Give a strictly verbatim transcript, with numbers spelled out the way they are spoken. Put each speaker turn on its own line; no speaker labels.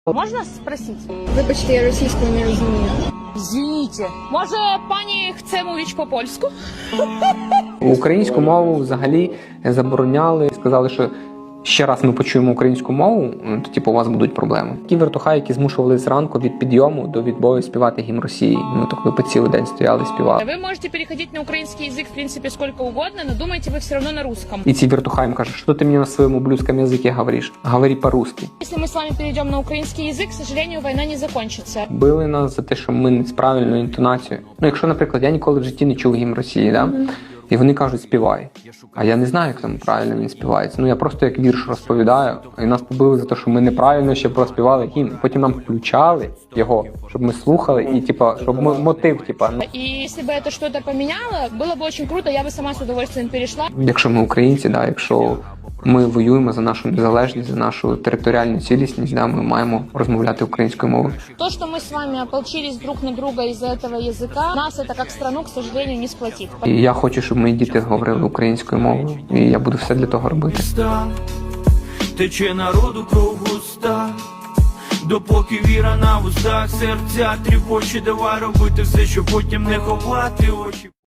Можна спросити?
Вибачте, я російською не розумію.
Звініть. Може, пані хоче мовити по-польську?
Українську мову взагалі забороняли, сказали, що ще раз ми почуємо українську мову, то типу у вас будуть проблеми. Ті вертухаї, які змушували зранку від підйому до відбою співати гімн Росії. Ми так ви по цілий день стояли, співали.
Ви можете переходити на український язик, в принципі, сколько угодно, но думаете ви все одно на русском.
І ці вертухаї їм кажуть, що ти мені на своєму блюдському язикі говориш? Говори по-русски.
Если мы с вами перейдем на украинский язык, к сожалению, война не закончится.
Били нас за те, що ми не з правильною інтонацією. Ну, якщо, наприклад, я ніколи в житті не чув гімн Росії, да? І вони кажуть, співай. А я не знаю, як там правильно він співається. Ну, я просто як вірш розповідаю, і нас побили за те, що ми неправильно ще проспівали гімн. Потім нам включали його, щоб ми слухали, і, типа, щоб м- мотив, типа. Ну,
И если бы это что-то поменяло, было бы очень круто, я бы сама с удовольствием перешла.
якщо ми українці, да, якщо ми воюємо за нашу незалежність, за нашу територіальну цілісність, да, ми маємо розмовляти українською мовою.
То, что мы с вами ополчились друг на друга из-за этого языка, нас это как страну, к сожалению, не сплотит.
І я хочу, щоб мої діти говорили українською мовою, і я буду все для того робити.
Тече народу кров густа, допоки віра на вустах, серця тріпоче, давай робити все, щоб потім не ховати очі.